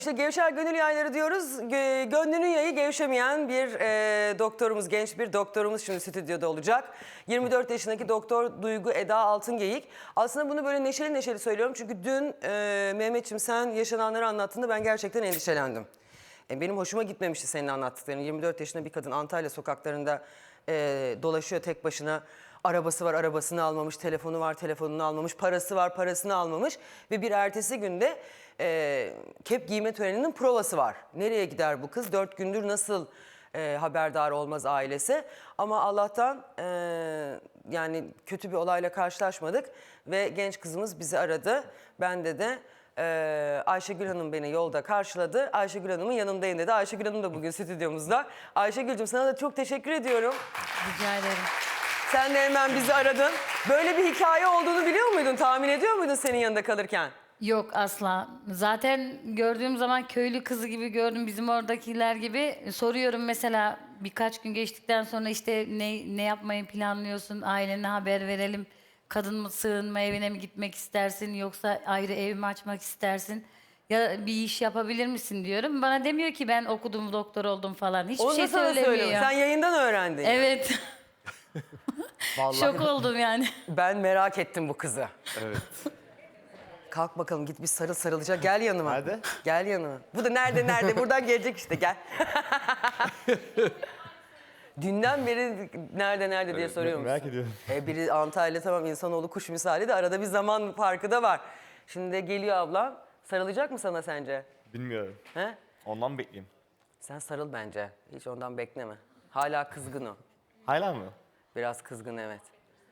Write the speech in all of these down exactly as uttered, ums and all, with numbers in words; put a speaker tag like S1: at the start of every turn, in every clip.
S1: İşte Gevşer Gönül Yayları diyoruz. Gö- Gönlünün yayı gevşemeyen bir e, doktorumuz, genç bir doktorumuz şimdi stüdyoda olacak. yirmi dört yaşındaki doktor Duygu Eda Altıngeyik. Aslında bunu böyle neşeli neşeli söylüyorum. Çünkü dün e, Mehmetciğim sen yaşananları anlattığında ben gerçekten endişelendim. E, benim hoşuma gitmemişti senin anlattıkların. yirmi dört yaşında bir kadın Antalya sokaklarında e, dolaşıyor tek başına. Arabası var, arabasını almamış, telefonu var, telefonunu almamış, parası var, parasını almamış. Ve bir ertesi günde e, kep giyme töreninin provası var. Nereye gider bu kız? Dört gündür nasıl e, haberdar olmaz ailesi? Ama Allah'tan e, yani kötü bir olayla karşılaşmadık. Ve genç kızımız bizi aradı. Bende de e, Ayşegül Hanım beni yolda karşıladı. Ayşegül Hanım'ın yanındayım dedi. Ayşegül Hanım da bugün stüdyomuzda. Ayşegül'cüm sana da çok teşekkür ediyorum.
S2: Rica ederim.
S1: Sen de hemen bizi aradın. Böyle bir hikaye olduğunu biliyor muydun? Tahmin ediyor muydun senin yanında kalırken?
S2: Yok asla. Zaten gördüğüm zaman köylü kızı gibi gördüm, bizim oradakiler gibi. Soruyorum mesela birkaç gün geçtikten sonra işte ne, ne yapmayı planlıyorsun, ailene haber verelim. Kadın mı sığınma evine mi gitmek istersin yoksa ayrı ev mi açmak istersin? Ya bir iş yapabilir misin diyorum. Bana demiyor ki ben okudum, doktor oldum falan. Hiçbir
S1: Onu da
S2: şey
S1: sana
S2: söylemiyor.
S1: söylüyorum. Sen yayından öğrendin.
S2: Evet.
S1: Vallahi
S2: Şok oldum yani.
S1: ben merak ettim bu kızı.
S3: Evet.
S1: Kalk bakalım git bir sarıl sarılacak. Gel yanıma.
S3: Nerede?
S1: Gel yanıma. Bu da nerede nerede? Buradan gelecek işte gel. Dünden beri nerede nerede diye soruyorum.
S3: Merak ediyorum.
S1: E, biri Antalya tamam insanoğlu kuş misali de arada bir zaman farkı da var. Şimdi de geliyor ablam. Sarılacak mı sana sence?
S3: Bilmiyorum.
S1: He?
S3: Ondan bekleyeyim.
S1: Sen sarıl bence. Hiç ondan bekleme. Hala kızgın o.
S3: Hala mı?
S1: Biraz kızgın evet.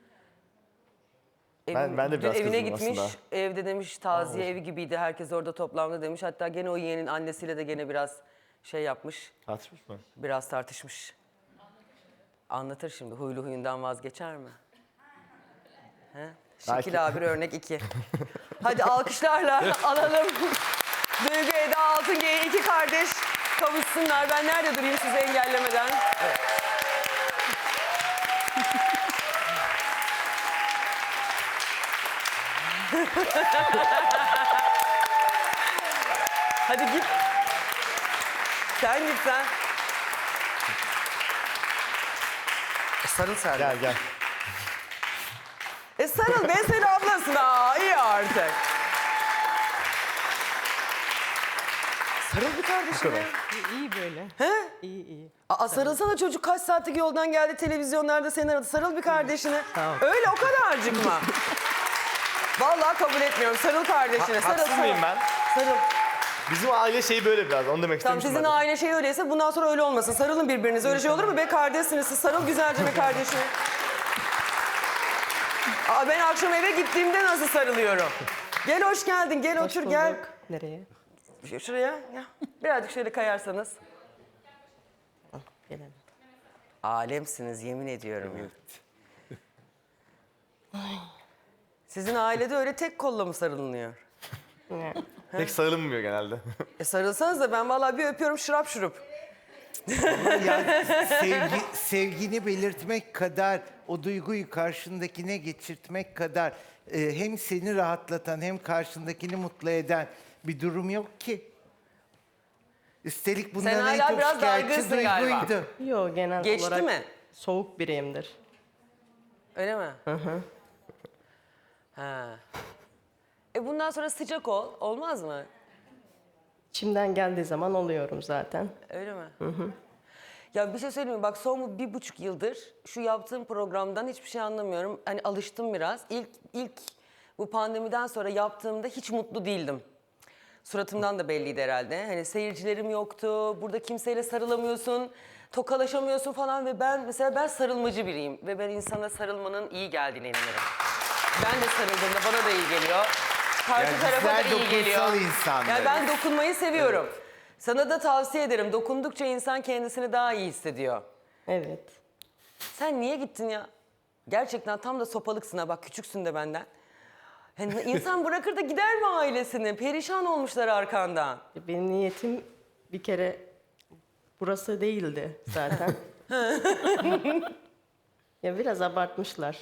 S3: Ben-
S1: Evin-
S3: ben de
S1: dün
S3: biraz
S1: evine
S3: kızgınım
S1: gitmiş.
S3: aslında.
S1: Evde demiş taziye evi gibiydi. Herkes orada toplandı demiş. Hatta gene o yeğenin annesiyle de gene biraz şey yapmış.
S3: Tartışmış mı?
S1: Biraz tartışmış. Anlatır şimdi. Huylu huyundan vazgeçer mi? He?
S3: Belki.
S1: Şekil abi örnek iki. Hadi alkışlarla alalım. Duygu Eda Altıngeyik iki kardeş kavuşsunlar. Ben nerede durayım sizi engellemeden? Evet. Hadi git. Sen git sen. E, sarıl sen. de.
S3: Gel gel.
S1: E sarıl be sen ablasın. Aa iyi artık. Sarıl bir kardeşim ya.
S4: İyi böyle.
S1: He?
S4: İyi iyi.
S1: Aa, sarılsana çocuk kaç saatlik yoldan geldi televizyonlarda seni aradı. Sarıl bir kardeşine.
S4: Tamam.
S1: Öyle o kadarcık mı? Vallahi kabul etmiyorum. Sarıl kardeşine. Sarıl
S3: Haksız
S1: sarıl.
S3: mıyım ben?
S1: Sarıl.
S3: Bizim aile şeyi böyle biraz. Onu demek
S1: Tamam
S3: istemiştim
S1: sizin
S3: ben.
S1: aile şey öyleyse bundan sonra öyle olmasın. Sarılın birbirinize. Öyle şey olur mu be kardeşsiniz siz. Sarıl güzelce be kardeşine. Aa, ben akşam eve gittiğimde nasıl sarılıyorum? Gel hoş geldin. Gel
S4: Hoş
S1: otur gel.
S4: bulduk. Nereye?
S1: Ş- Şuraya. Ya. Birazcık şöyle kayarsanız.
S4: Ah, gelelim.
S1: Alemsiniz yemin ediyorum. ya. Sizin ailede öyle tek kolla mı sarılınıyor?
S3: Pek sarılmıyor genelde.
S1: E sarılsanız da ben vallahi bir öpüyorum şırap şurup.
S5: Yani sevgi, sevgini belirtmek kadar, o duyguyu karşındakine geçirtmek kadar e, hem seni rahatlatan hem karşındakini mutlu eden bir durum yok ki. Üstelik bunların en
S1: hala
S5: çok
S1: biraz
S5: şikayetçi
S1: dargınsın galiba.
S5: duyguydu.
S4: Yo genel
S1: Geçti
S4: olarak
S1: mi?
S4: soğuk biriyimdir.
S1: Öyle mi? Hı hı. Ha. E bundan sonra sıcak ol. Olmaz mı?
S4: İçimden geldiği zaman oluyorum zaten.
S1: Öyle mi? Hı hı. Ya bir şey söyleyeyim mi? Bak son bu bir buçuk yıldır şu yaptığım programdan hiçbir şey anlamıyorum. Hani alıştım biraz. İlk, ilk bu pandemiden sonra yaptığımda hiç mutlu değildim. Suratımdan da belliydi herhalde. Hani seyircilerim yoktu. Burada kimseyle sarılamıyorsun. Tokalaşamıyorsun falan ve ben mesela ben sarılmacı biriyim. Ve ben insana sarılmanın iyi geldiğine inanırım. Ben de sarıldığımda bana da iyi geliyor. Karşı
S5: Yani
S1: tarafa da
S5: bizler
S1: iyi geliyor.
S5: dokunsal insanlarız.
S1: Yani ben dokunmayı seviyorum. Sana da tavsiye ederim. Dokundukça insan kendisini daha iyi hissediyor.
S4: Evet.
S1: Sen niye gittin ya? Gerçekten tam da sopalıksın ha. Bak küçüksün de benden. Yani insan bırakır da gider mi ailesini? Perişan olmuşlar arkandan.
S4: Benim niyetim bir kere burası değildi zaten. Ya biraz abartmışlar.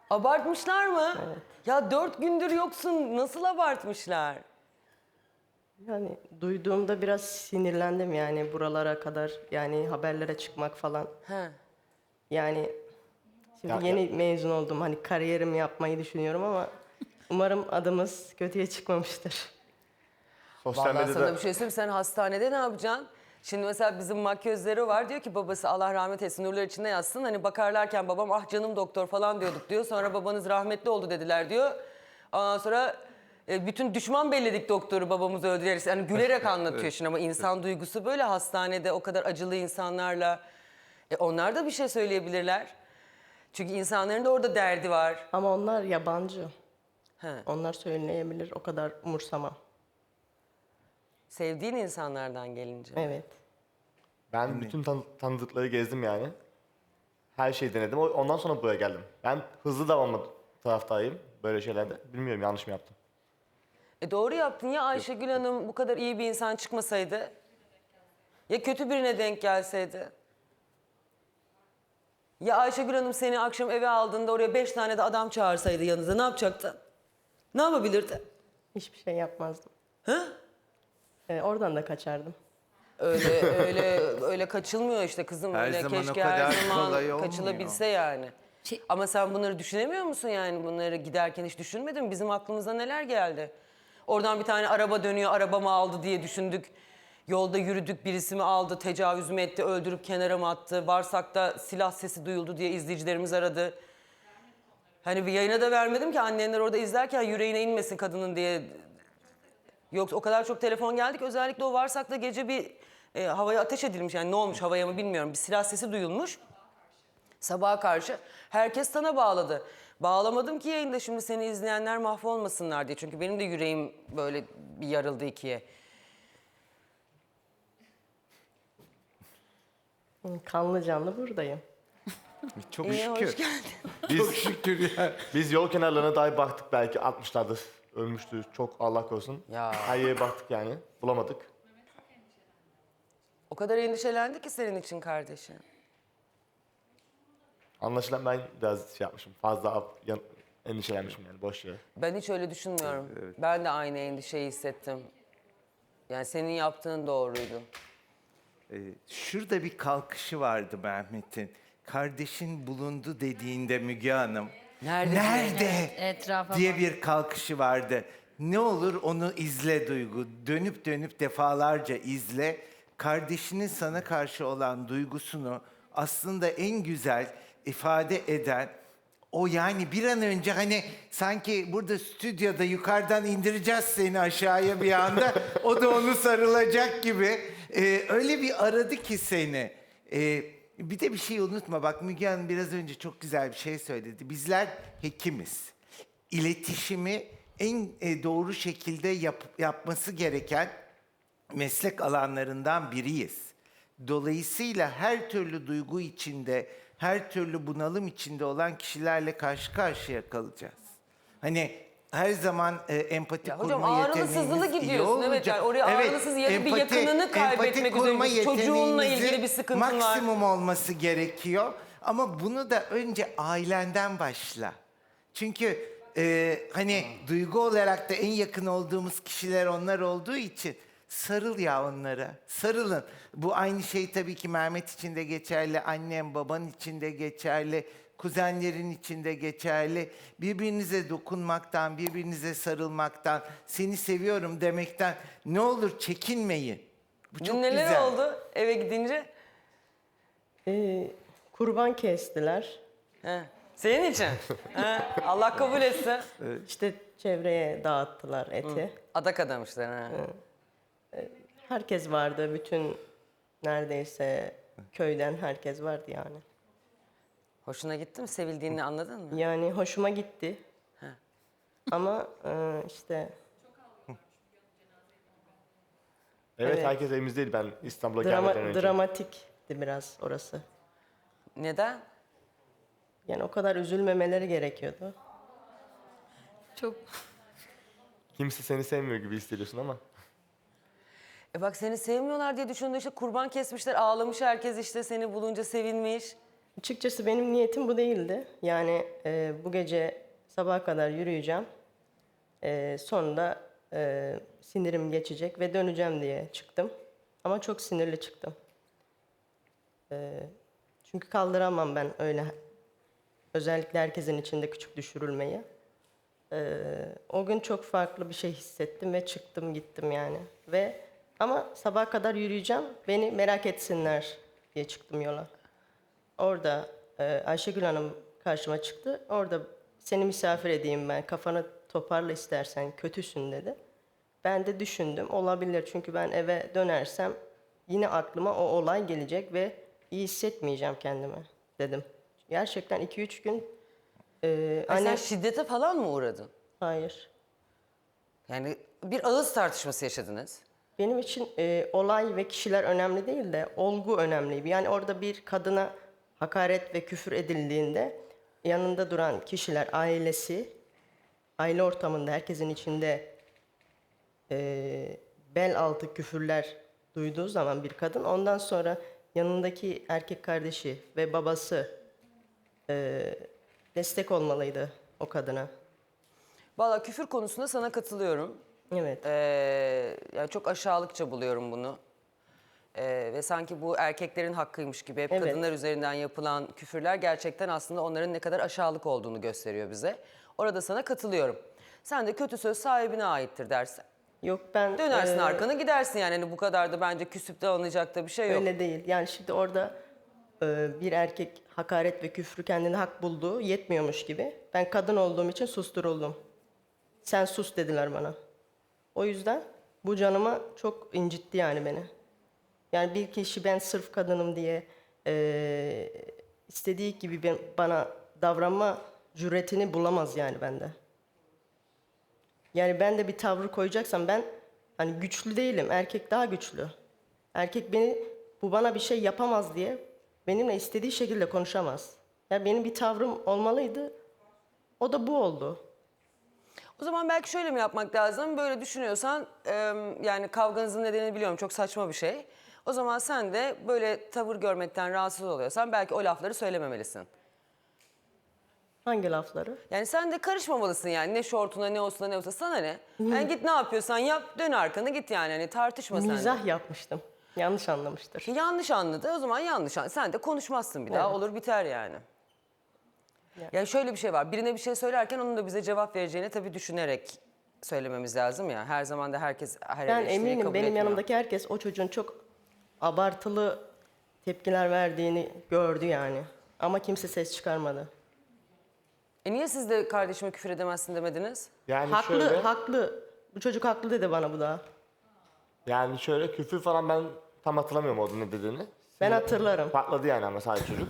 S1: Abartmışlar mı? Evet. Ya dört gündür yoksun. Nasıl abartmışlar?
S4: Yani duyduğumda biraz sinirlendim yani buralara kadar yani haberlere çıkmak falan.
S1: He.
S4: Yani şimdi
S3: Ya-
S4: yeni mezun oldum hani kariyerimi yapmayı düşünüyorum ama umarım adımız kötüye çıkmamıştır.
S3: Sosyal
S1: Vallahi sana
S3: medyada
S1: bir şey söyleyeyim, sen hastanede ne yapacaksın? Şimdi mesela bizim makyözleri var, diyor ki babası Allah rahmet etsin, nurlar içinde yatsın. Hani bakarlarken babam ah canım doktor falan diyorduk diyor. Sonra babanız rahmetli oldu dediler diyor. Ondan sonra e, bütün düşman belledik doktoru babamızı öldüreriz. Yani gülerek anlatıyor şimdi ama insan duygusu böyle hastanede o kadar acılı insanlarla. E, onlar da bir şey söyleyebilirler. Çünkü insanların da orada derdi var.
S4: Ama onlar yabancı.
S1: He.
S4: Onlar söyleyebilir o kadar umursamam.
S1: Sevdiğin insanlardan gelince.
S4: Evet.
S3: ben bütün tan- tanıdıkları gezdim yani. Her şeyi denedim. O- Ondan sonra buraya geldim. Ben hızlı davranma taraftarıyım böyle şeylerde. Bilmiyorum yanlış mı yaptım.
S1: E doğru yaptın ya, Ayşegül Hanım bu kadar iyi bir insan çıkmasaydı. Ya kötü birine denk gelseydi. Ya Ayşegül Hanım seni akşam eve aldığında oraya beş tane de adam çağırsaydı yanınıza, ne yapacaktın? Ne yapabilirdi?
S4: Hiçbir şey yapmazdım.
S1: Ha?
S4: Ee, oradan da kaçardım.
S1: Öyle öyle öyle kaçılmıyor işte kızım.
S5: Her
S1: öyle
S5: zaman o
S1: keşke
S5: kadar
S1: her zaman
S5: kolay olmuyor.
S1: kaçılabilse yani.
S2: Şey-
S1: Ama sen bunları düşünemiyor musun yani? Bunları giderken hiç düşünmedin mi? Bizim aklımıza neler geldi? Oradan bir tane araba dönüyor, arabamı aldı diye düşündük. Yolda yürüdük, birisi mi aldı, tecavüz mü etti, öldürüp kenara mı attı? Varsak'ta silah sesi duyuldu diye izleyicilerimiz aradı. Hani bir yayına da vermedim ki annenler orada izlerken yüreğine inmesin kadının diye. Yoksa o kadar çok telefon geldi ki özellikle o Varsak'ta gece bir e, havaya ateş edilmiş. Yani ne olmuş havaya mı bilmiyorum. Bir silah sesi duyulmuş. Sabaha karşı herkes sana bağladı. Bağlamadım ki yayında şimdi seni izleyenler mahvolmasınlar diye. Çünkü benim de yüreğim böyle bir yarıldı ikiye.
S4: Kanlı canlı buradayım.
S5: Çok
S1: İyi,
S5: şükür.
S1: hoş geldin.
S3: Biz,
S5: Şükür ya.
S3: biz yol kenarlarına dahi baktık, belki atmışlardır. Ölmüştü çok, Allah korusun.
S1: Ya.
S3: Her yere baktık yani. Bulamadık.
S1: O kadar endişelendi ki senin için kardeşin.
S3: Anlaşılan ben biraz şey yapmışım. Fazla ab- yan- endişelenmişim yani boş yere.
S1: Ben hiç öyle düşünmüyorum. Ben de aynı endişeyi hissettim. Yani senin yaptığın doğruydu.
S5: Ee, şurada bir kalkışı vardı Mehmet'in. Kardeşin bulundu dediğinde Müge Hanım.
S1: Nerede?
S5: Nerede?
S2: Etrafa
S5: diye
S2: bak.
S5: bir kalkışı vardı. Ne olur onu izle Duygu. Dönüp dönüp defalarca izle. Kardeşinin sana karşı olan duygusunu aslında en güzel ifade eden o, yani bir an önce hani sanki burada stüdyoda yukarıdan indireceğiz seni aşağıya bir anda. O da onu sarılacak gibi. Ee, öyle bir aradı ki seni. Ee, bir de bir şey unutma. Bak Müge Hanım biraz önce çok güzel bir şey söyledi. Bizler hekimiz. İletişimi en e, doğru şekilde yap- yapması gereken meslek alanlarından biriyiz. Dolayısıyla her türlü duygu içinde, her türlü bunalım içinde olan kişilerle karşı karşıya kalacağız. Hani her zaman e, empati
S1: Ya
S5: kurma
S1: hocam, ağrılı
S5: yeteneğiniz
S1: sızlılı
S5: iyi
S1: gidiyorsun. Evet,
S5: olacak.
S1: yani oraya ağrılı sızlı ya da bir yakınını kaybetmek
S5: empati kurma
S1: üzere, çocuğunla ilgili
S5: yeteneğinizin
S1: bir sıkıntın var.
S5: maksimum olması gerekiyor. Ama bunu da önce ailenden başla. Çünkü e, hani duygu olarak da en yakın olduğumuz kişiler onlar olduğu için sarıl ya onlara. Sarılın. Bu aynı şey tabii ki Mehmet için de geçerli, annem baban için de geçerli, kuzenlerin için de geçerli. Birbirinize dokunmaktan, birbirinize sarılmaktan, seni seviyorum demekten ne olur çekinmeyin. Bu çok
S1: Dün neler
S5: güzel.
S1: oldu eve gidince?
S4: Ee, kurban kestiler.
S1: He. Senin için. He. Allah kabul etsin.
S4: İşte çevreye dağıttılar eti.
S1: Adak adamışlar. Ha.
S4: Herkes vardı. Bütün neredeyse köyden herkes vardı yani.
S1: Hoşuna gitti mi? Sevildiğini anladın mı?
S4: Yani hoşuma gitti.
S1: He.
S4: Ama e, işte
S3: Evet,
S4: Evet.
S3: herkes evimizdeydi ben İstanbul'a
S4: drama,
S3: gelmeden önce.
S4: dramatikti biraz orası.
S1: Neden?
S4: Yani o kadar üzülmemeleri gerekiyordu.
S2: Çok
S3: Kimse seni sevmiyor gibi hissediyorsun ama.
S1: E bak, seni sevmiyorlar diye düşündüğü işte kurban kesmişler, ağlamış herkes, işte seni bulunca sevinmiş.
S4: Açıkçası benim niyetim bu değildi. Yani e, bu gece sabaha kadar yürüyeceğim. E, sonra da e, sinirim geçecek ve döneceğim diye çıktım. Ama çok sinirli çıktım. Ee, çünkü kaldıramam ben öyle. Özellikle herkesin içinde küçük düşürülmeyi. Ee, o gün çok farklı bir şey hissettim ve çıktım gittim yani. Ve ama sabaha kadar yürüyeceğim, beni merak etsinler diye çıktım yola. Orada e, Ayşegül Hanım karşıma çıktı. Orada seni misafir edeyim ben, kafanı toparla istersen, kötüsün dedi. Ben de düşündüm, olabilir çünkü ben eve dönersem yine aklıma o olay gelecek ve iyi hissetmeyeceğim kendimi dedim. Gerçekten iki üç gün e,
S1: Ay, sen
S4: anne...
S1: şiddete falan mı uğradın?
S4: Hayır.
S1: Yani bir ağız tartışması yaşadınız.
S4: Benim için e, olay ve kişiler önemli değil de olgu önemli. Yani orada bir kadına hakaret ve küfür edildiğinde yanında duran kişiler, ailesi, aile ortamında herkesin içinde e, bel altı küfürler duyduğu zaman bir kadın, ondan sonra yanındaki erkek kardeşi ve babası e, destek olmalıydı o kadına.
S1: Vallahi küfür konusunda sana katılıyorum.
S4: Evet.
S1: Ee, yani çok aşağılıkça buluyorum bunu. Ee, ve sanki bu erkeklerin hakkıymış gibi hep
S4: Evet.
S1: kadınlar üzerinden yapılan küfürler gerçekten aslında onların ne kadar aşağılık olduğunu gösteriyor bize. Orada sana katılıyorum. Sen de kötü söz sahibine aittir dersin.
S4: Yok ben...
S1: Dönersin
S4: e,
S1: arkanı gidersin yani. Hani bu kadar da bence küsüp de alınacak da bir şey yok.
S4: Öyle değil. Yani şimdi orada e, bir erkek hakaret ve küfrü kendine hak bulduğu yetmiyormuş gibi. Ben kadın olduğum için susturuldum. Sen sus dediler bana. O yüzden bu canıma çok incitti yani beni. Yani bir kişi ben sırf kadınım diye e, istediği gibi ben, bana davranma cüretini bulamaz yani bende. Yani ben de bir tavrı koyacaksam ben hani güçlü değilim. Erkek daha güçlü. Erkek beni bu bana bir şey yapamaz diye benimle istediği şekilde konuşamaz. Yani benim bir tavrım olmalıydı. O da bu oldu.
S1: O zaman belki şöyle mi yapmak lazım? Böyle düşünüyorsan e, yani kavganızın nedenini biliyorum, çok saçma bir şey. O zaman sen de böyle tavır görmekten rahatsız oluyorsan belki o lafları söylememelisin.
S4: Hangi lafları?
S1: Yani sen de karışmamalısın yani, ne şortuna ne olsuna ne olsa sana ne? Yani git ne yapıyorsan yap, dön arkanı git yani, hani tartışma sen de.
S4: Mizah yapmıştım. Yanlış anlamıştır.
S1: Yanlış anladı, o zaman yanlış anladı. Sen de konuşmazsın bir daha,
S4: Evet.
S1: olur biter yani.
S4: Yani.
S1: Yani şöyle bir şey var, birine bir şey söylerken onun da bize cevap vereceğini tabii düşünerek söylememiz lazım ya. Her zaman da herkes her
S4: Ben
S1: eleştiriyi
S4: eminim
S1: kabul
S4: benim
S1: etmiyor.
S4: yanımdaki herkes o çocuğun çok abartılı tepkiler verdiğini gördü yani. Ama kimse ses çıkarmadı.
S1: E niye siz de kardeşime küfür edemezsin demediniz?
S3: Yani
S4: Haklı,
S3: şöyle,
S4: haklı. Bu çocuk haklı dedi bana bu da.
S3: yani şöyle küfür falan ben tam hatırlamıyorum orada ne dediğini.
S4: Ben hatırlarım.
S3: Patladı yani ama sadece çocuk.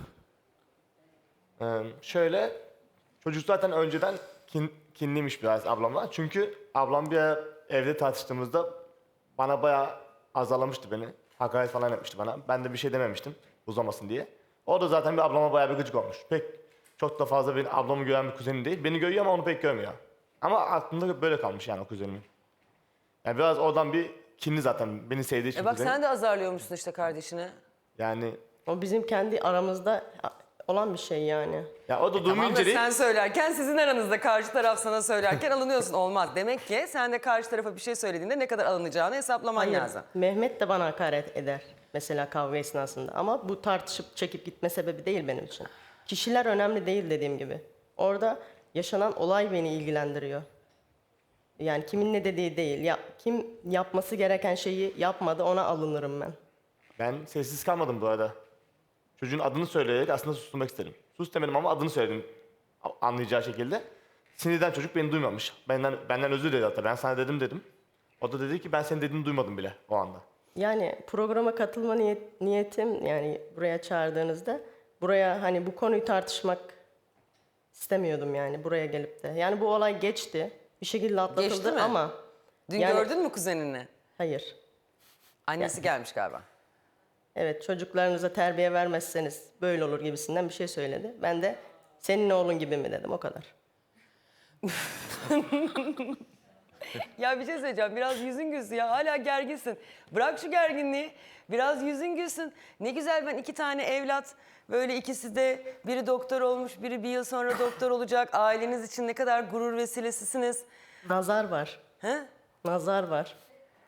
S3: Ee, şöyle, çocuk zaten önceden kin, kinliymiş biraz ablamla. Çünkü ablam bir ara evde tartıştığımızda bana bayağı azarlamıştı beni. Hakaret falan etmişti bana. Ben de bir şey dememiştim uzamasın diye. O da zaten bir ablama bayağı bir gıcık olmuş. Pek çok da fazla benim ablamı gören bir kuzenim değil. Beni görüyor ama onu pek görmüyor. Ama aklımda böyle kalmış yani o kuzenimin. Yani biraz oradan bir kinli zaten beni sevdiği için
S1: E bak
S3: kuzenim.
S1: sen de azarlıyormuşsun işte kardeşine.
S3: Yani
S4: O bizim kendi aramızda olan bir şey yani.
S3: ya o da
S1: Tamam
S3: duymayınca
S1: da
S3: değil.
S1: sen söylerken, sizin aranızda karşı taraf sana söylerken alınıyorsun. Olmaz. Demek ki sen de karşı tarafa bir şey söylediğinde ne kadar alınacağını hesaplaman
S4: Hayır,
S1: lazım.
S4: Mehmet de bana hakaret eder mesela kavga esnasında. Ama bu tartışıp çekip gitme sebebi değil benim için. Kişiler önemli değil dediğim gibi. Orada yaşanan olay beni ilgilendiriyor. Yani kimin ne dediği değil. Ya, kim yapması gereken şeyi yapmadı ona alınırım ben.
S3: Ben sessiz kalmadım bu arada. Çocuğun adını söyleyerek aslında susturmak istedim. Sus demedim ama adını söyledim anlayacağı şekilde. Sinirden çocuk beni duymamış. Benden benden özür diledi hatta. Ben sana dedim dedim. O da dedi ki ben senin dediğini duymadım bile o anda.
S4: Yani programa katılma niyet, niyetim yani buraya çağırdığınızda buraya hani bu konuyu tartışmak istemiyordum yani buraya gelip de. Yani bu olay geçti. Bir şekilde atlatıldı
S1: Geçti mi?
S4: ama
S1: Dün
S4: yani-
S1: gördün mü kuzenini?
S4: hayır.
S1: Annesi gelmiş galiba.
S4: Evet, çocuklarınıza terbiye vermezseniz böyle olur gibisinden bir şey söyledi. Ben de senin oğlun gibi mi dedim, o kadar.
S1: Ya bir şey söyleyeceğim. Biraz yüzün gülsün ya. Hala gerginsin. Bırak şu gerginliği. Biraz yüzün gülsün. Ne güzel, ben iki tane evlat. Böyle ikisi de, biri doktor olmuş, biri bir yıl sonra doktor olacak. Aileniz için ne kadar gurur vesilesisiniz.
S4: Nazar var.
S1: He?
S4: Nazar var.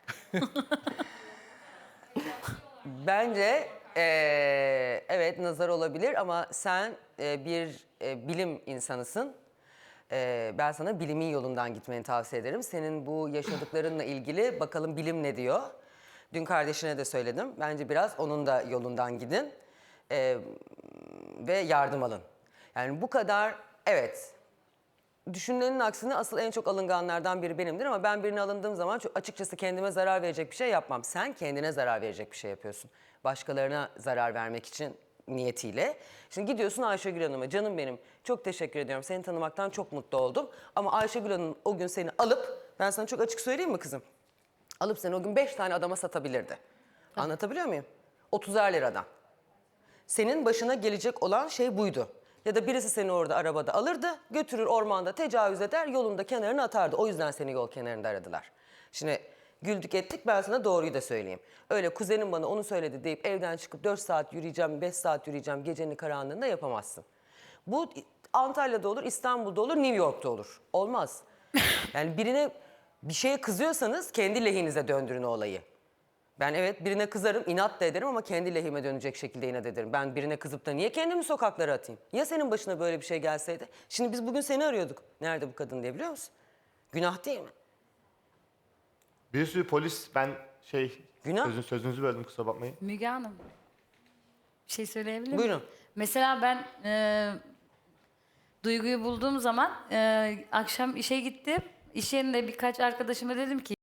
S1: Bence eee, evet nazar olabilir ama sen eee, bir eee, bilim insanısın. Eee, ben sana bilimin yolundan gitmeni tavsiye ederim. Senin bu yaşadıklarınla ilgili bakalım bilim ne diyor. Dün kardeşine de söyledim. Bence biraz onun da yolundan gidin eee, ve yardım alın. Yani bu kadar evet. Düşünülenin aksine asıl en çok alınganlardan biri benimdir ama ben birine alındığım zaman çok açıkçası kendime zarar verecek bir şey yapmam. Sen kendine zarar verecek bir şey yapıyorsun. Başkalarına zarar vermek için niyetiyle. Şimdi gidiyorsun Ayşegül Hanım'a, canım benim çok teşekkür ediyorum. Seni tanımaktan çok mutlu oldum. Ama Ayşegül Hanım o gün seni alıp, ben sana çok açık söyleyeyim mi kızım? Alıp seni o gün beş tane adama satabilirdi. Anlatabiliyor muyum? otuzar liradan. Senin başına gelecek olan şey buydu. Ya da birisi seni orada arabada alırdı, götürür ormanda tecavüz eder, yolunda kenarına atardı. O yüzden seni yol kenarında aradılar. Şimdi güldük ettik, ben sana doğruyu da söyleyeyim. Öyle kuzenim bana onu söyledi deyip evden çıkıp dört saat yürüyeceğim, beş saat yürüyeceğim gecenin karanlığında yapamazsın. Bu Antalya'da olur, İstanbul'da olur, New York'ta olur. Olmaz. Yani birine bir şeye kızıyorsanız kendi lehinize döndürün o olayı. Ben evet birine kızarım, inat da ederim ama kendi lehime dönecek şekilde inat ederim. Ben birine kızıp da niye kendimi sokaklara atayım? Ya senin başına böyle bir şey gelseydi? Şimdi biz bugün seni arıyorduk. Nerede bu kadın diye, biliyor musun? Günah değil mi?
S3: Bir sürü polis, ben şey,
S1: Günah.
S3: sözün, sözünüzü böldüm kusura bakmayın.
S2: Müge Hanım. Bir şey söyleyebilir miyim?
S1: Buyurun.
S2: Mesela ben e, Duygu'yu bulduğum zaman e, akşam işe gittim. İş yerinde birkaç arkadaşıma dedim ki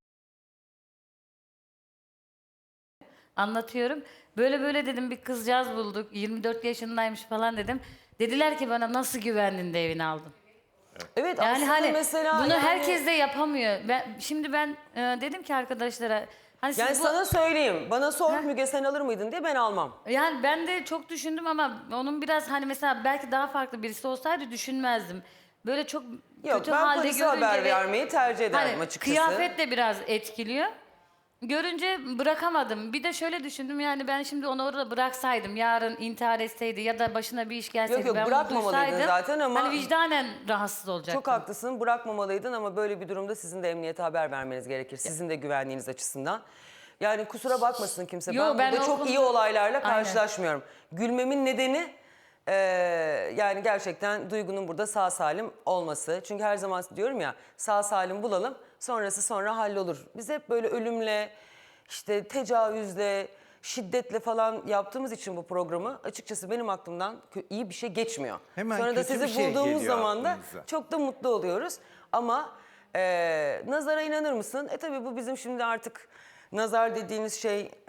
S2: anlatıyorum. Böyle böyle dedim bir kızcağız bulduk. yirmi dört yaşındaymış falan dedim. Dediler ki bana nasıl güvendin de evini aldın?
S1: Evet
S2: Yani
S1: aslında
S2: hani
S1: mesela...
S2: bunu
S1: yani-
S2: herkes de yapamıyor. Ben, şimdi ben e, dedim ki arkadaşlara hani siz
S1: Yani
S2: bu-
S1: sana söyleyeyim, bana sor
S2: Heh.
S1: Müge sen alır mıydın diye ben almam.
S2: Yani ben de çok düşündüm ama onun biraz hani mesela belki daha farklı birisi olsaydı düşünmezdim. Böyle çok
S1: Yok
S2: kötü
S1: ben
S2: halde
S1: polise
S2: görünce
S1: haber
S2: ve
S1: vermeyi tercih ederdim
S2: hani
S1: açıkçası.
S2: kıyafet de biraz etkiliyor. Görünce bırakamadım. Bir de şöyle düşündüm yani ben şimdi onu orada bıraksaydım yarın intihar etseydi ya da başına bir iş gelseydi
S1: Yok, yok,
S2: ben bunu
S1: bırakmamalıydın
S2: duysaydım,
S1: zaten ama-
S2: hani vicdanen rahatsız olacaktım.
S1: Çok haklısın, bırakmamalıydın ama böyle bir durumda sizin de emniyete haber vermeniz gerekir. Sizin de güvenliğiniz açısından. Yani kusura bakmasın kimse.
S2: Yo,
S1: ben
S2: ben
S1: burada
S2: o
S1: çok
S2: konuda-
S1: iyi olaylarla
S2: Aynen.
S1: karşılaşmıyorum. Gülmemin nedeni eee, yani gerçekten Duygu'nun burada sağ salim olması. Çünkü her zaman diyorum ya sağ salim bulalım sonrası sonra hallolur. Biz hep böyle ölümle, işte tecavüzle, şiddetle falan yaptığımız için bu programı açıkçası benim aklımdan kö- iyi bir şey geçmiyor.
S5: Hemen
S1: Sonra da
S5: kötü
S1: sizi
S5: bir şey
S1: bulduğumuz
S5: geliyor
S1: zaman da
S5: aklınıza.
S1: çok da mutlu oluyoruz. Ama e, nazara inanır mısın? E tabii bu bizim şimdi artık nazar dediğimiz şey e,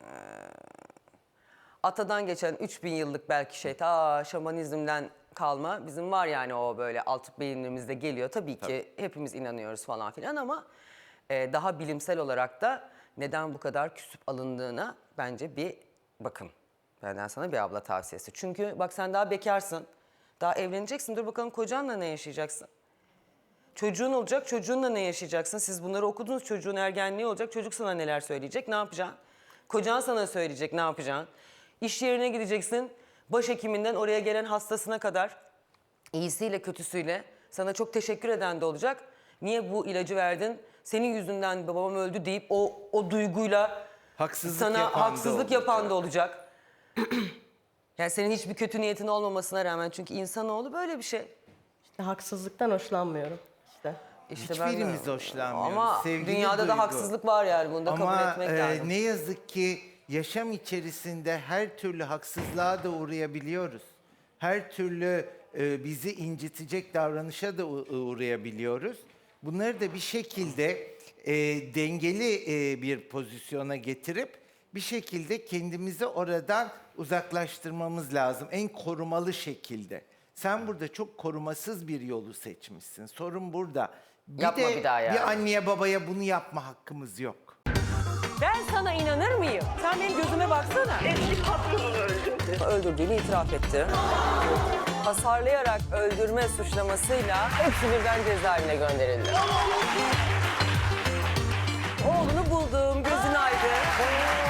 S1: atadan geçen üç bin yıllık belki şey ta şamanizmden kalma. Bizim var yani o böyle alt beyinlerimizde geliyor. Tabii ki hepimiz inanıyoruz falan filan ama e, daha bilimsel olarak da neden bu kadar küsüp alındığına bence bir bakın. Benden sana bir abla tavsiyesi. Çünkü bak sen daha bekarsın. Daha evleneceksin. Dur bakalım kocanla ne yaşayacaksın? Çocuğun olacak, çocuğunla ne yaşayacaksın? Siz bunları okudunuz, çocuğun ergenliği olacak, çocuk sana neler söyleyecek, ne yapacaksın? Kocan sana söyleyecek, ne yapacaksın? İş yerine gideceksin, başhekiminden oraya gelen hastasına kadar, iyisiyle kötüsüyle sana çok teşekkür eden de olacak. Niye bu ilacı verdin? Senin yüzünden babam öldü deyip o, o duyguyla
S5: Haksızlık
S1: sana
S5: yapan da
S1: haksızlık
S5: olacak.
S1: yapan da olacak. Yani senin hiçbir kötü niyetin olmamasına rağmen çünkü insanoğlu böyle bir şey.
S4: İşte haksızlıktan hoşlanmıyorum. İşte.
S1: İşte ben de-
S5: Hiçbirimiz hoşlanmıyoruz.
S1: Ama
S5: Sevgili
S1: dünyada
S5: Duygu.
S1: da haksızlık var yani bunu da kabul
S5: Ama
S1: etmek
S5: e,
S1: lazım.
S5: ne yazık ki yaşam içerisinde her türlü haksızlığa da uğrayabiliyoruz. Her türlü e, bizi incitecek davranışa da u- uğrayabiliyoruz. Bunları da bir şekilde e, dengeli e, bir pozisyona getirip bir şekilde kendimizi oradan uzaklaştırmamız lazım. En korumalı şekilde. Sen burada çok korumasız bir yolu seçmişsin. Sorun burada. Bir
S1: Yapma
S5: de
S1: bir daha yani.
S5: bir anneye babaya bunu yapma hakkımız yok.
S1: Ben sana inanır mıyım? Sen benim gözüme baksana.
S6: Eski patronunu öldürdü.
S1: Öldürdüğünü itiraf etti. Hasarlayarak öldürme suçlamasıyla hepsi birden cezaevine gönderildi. Oğlunu buldum, gözün aydın.